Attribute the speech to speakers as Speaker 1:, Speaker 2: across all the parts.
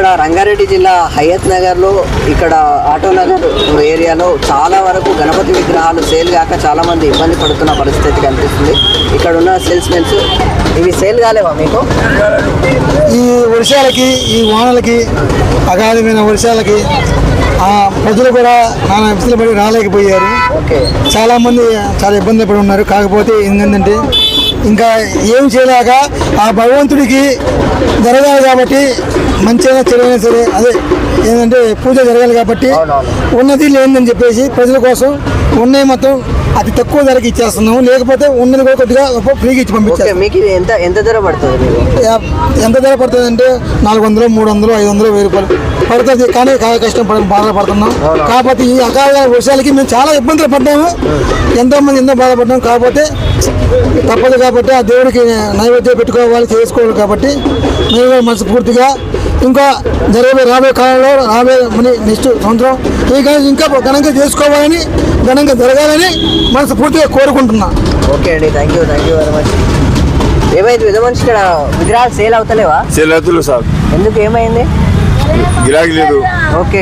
Speaker 1: ఇక్కడ రంగారెడ్డి జిల్లా హయత్ నగర్లో ఇక్కడ ఆటో నగర్ ఏరియాలో చాలా వరకు గణపతి విగ్రహాలు సేల్ కాక చాలా మంది ఇబ్బంది పడుతున్న పరిస్థితి కనిపిస్తుంది. ఇక్కడ ఉన్న సేల్స్ మెన్స్ ఇవి సేల్ కాలేవా మీకు?
Speaker 2: ఈ వర్షాలకి ఈ వానలకి అగాధమైన వర్షాలకి ప్రజలు కూడా నానా విసులు పడి రాలేకపోయారు. చాలామంది చాలా ఇబ్బంది పడి ఉన్నారు. కాకపోతే ఏంటంటే ఇంకా ఏం చేయలేక ఆ భగవంతుడికి జరగాలి కాబట్టి మంచిగా చెడైనా సరే అదే ఏంటంటే పూజ జరగాలి కాబట్టి ఉన్నది లేదని చెప్పేసి ప్రజల కోసం ఉన్నాయి మొత్తం అతి తక్కువ ధరకి ఇచ్చేస్తున్నాము. లేకపోతే ఉన్నది కూడా కొద్దిగా ఫ్రీగా ఇచ్చి పంపించారు.
Speaker 1: మీకు ఎంత ధర పడుతుంది?
Speaker 2: ఎంత ధర పడుతుంది అంటే 400, 300, 500, 1000 రూపాయలు పడుతుంది. కానీ కష్టం బాధపడుతున్నాం. కాకపోతే ఈ అకాల వర్షాలకి మేము చాలా ఇబ్బందులు పడ్డాము. ఎంతోమంది ఎంతో బాధపడ్డాము. కాకపోతే తప్పదు కాబట్టి ఆ దేవుడికి నైవేద్యం పెట్టుకోవాలి, చేసుకోవాలి కాబట్టి మేము మనస్ఫూర్తిగా ఇంకా రాబోయే కాలంలో నెక్స్ట్ సంవత్సరం ఇంకా ఘనంగా చేసుకోవాలని ఘనంగా జరగాలని మనస్ఫూర్తిగా కోరుకుంటున్నా.
Speaker 1: ఓకే అండి, థ్యాంక్ యూ వెరీ మచ్. ఏమైంది విధ మనిషి ఇక్కడ విగ్రహాలు సేల్ అవుతలేవా?
Speaker 3: సేల్ అవుతలే సార్.
Speaker 1: ఎందుకు ఏమైంది?
Speaker 3: గిరాకీ లేదు.
Speaker 1: ఓకే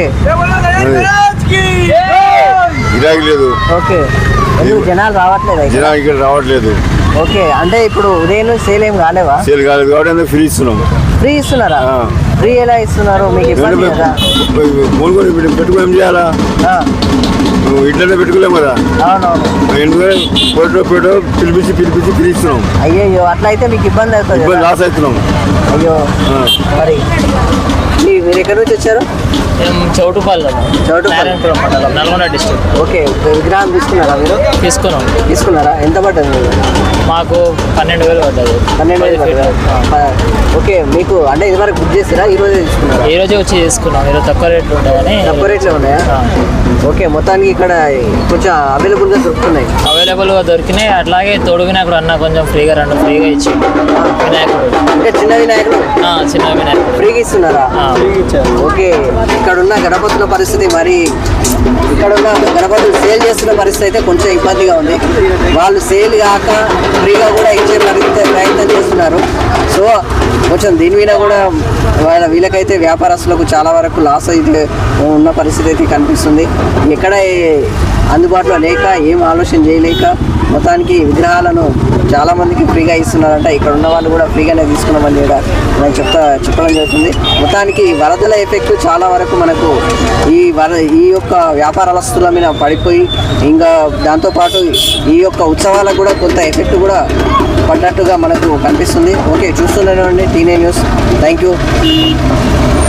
Speaker 3: గిరాకీ లేదు.
Speaker 1: ఓకే ఎందుకు జనాలు రావట్లేదు?
Speaker 3: జనాలు ఇక్కడ రావట్లేదు.
Speaker 1: ఓకే అంటే ఇప్పుడు ఉదయం సేల్ ఏం కాలేవా?
Speaker 3: సేల్ కాలేదు కాబట్టి ఫ్రీ ఇస్తున్నాం.
Speaker 1: ఫ్రీ ఇస్తున్నారా? ఫ్రీ ఎలా ఇస్తున్నారు? మీకు ఇబ్బంది కదా?
Speaker 3: పెట్టుకుని ఏం చేయాలా? ఇంట్లోనే పెట్టుకోలేము కదా.
Speaker 1: అవునవును.
Speaker 3: ఎందుకంటే పిలిపించి ఫ్రీ ఇస్తున్నాం.
Speaker 1: అయ్యో అట్లా అయితే మీకు ఇబ్బంది అవుతుంది.
Speaker 3: లాస్ అవుతున్నాం.
Speaker 1: అయ్యో మరి మీరు ఎక్కడి నుంచి వచ్చారు?
Speaker 4: చౌటుపల్లి నల్గొండ డిస్ట్రిక్ట్.
Speaker 1: ఓకే విగ్రహం తీసుకున్నారా మీరు? తీసుకున్నారా? ఎంత పడ్డది?
Speaker 4: మాకు 12,000 పడ్డది.
Speaker 1: 12,000. ఓకే మీకు అంటే ఇది వరకు బుక్ చేస్తారా? ఈ రోజే తీసుకున్నారా?
Speaker 4: ఈ రోజే వచ్చి తీసుకున్నాం. ఈరోజు తక్కువ రేట్లు ఉంటాయని.
Speaker 1: తక్కువ రేట్లో ఉన్నాయా? ఓకే మొత్తానికి ఇక్కడ కొంచెం అవైలబుల్గా దొరుకుతున్నాయి.
Speaker 4: అవైలబుల్గా దొరికినాయి. అట్లాగే తోడు వినాయకుడు అన్న కొంచెం ఫ్రీగా ఫ్రీగా ఇచ్చి వినాయకుడు
Speaker 1: అంటే చిన్న వినాయకుడు
Speaker 4: చిన్న వినాయకుడు
Speaker 1: ఫ్రీగా ఇస్తున్నారా? ఓకే ఇక్కడ ఉన్న గణపతుల పరిస్థితి మరి ఇక్కడ ఉన్న గణపతులు సేల్ చేస్తున్న పరిస్థితి అయితే కొంచెం ఇబ్బందిగా ఉంది. వాళ్ళు సేల్ కాక ఫ్రీగా కూడా ఇచ్చే ప్రయత్నం చేస్తున్నారు. సో కొంచెం దీని మీద కూడా వీళ్ళకైతే వ్యాపారస్తులకు చాలా వరకు లాస్ అయితే ఉన్న పరిస్థితి అయితే కనిపిస్తుంది. ఎక్కడ అందుబాటులో లేక ఏం ఆలోచన చేయలేక మొత్తానికి విగ్రహాలను చాలామందికి ఫ్రీగా ఇస్తున్నారంట. ఇక్కడ ఉన్న వాళ్ళు కూడా ఫ్రీగానే తీసుకున్నామని కూడా నేను చెప్పడం జరుగుతుంది. మొత్తానికి వరదల ఎఫెక్ట్ చాలా వరకు మనకు ఈ యొక్క వ్యాపారస్తుల మీద పడిపోయి ఇంకా దాంతోపాటు ఈ యొక్క ఉత్సవాలకు కూడా కొంత ఎఫెక్ట్ కూడా పడ్డట్టుగా మనకు కనిపిస్తుంది. ఓకే చూస్తున్నాను అండి టీనే న్యూస్. Thank you.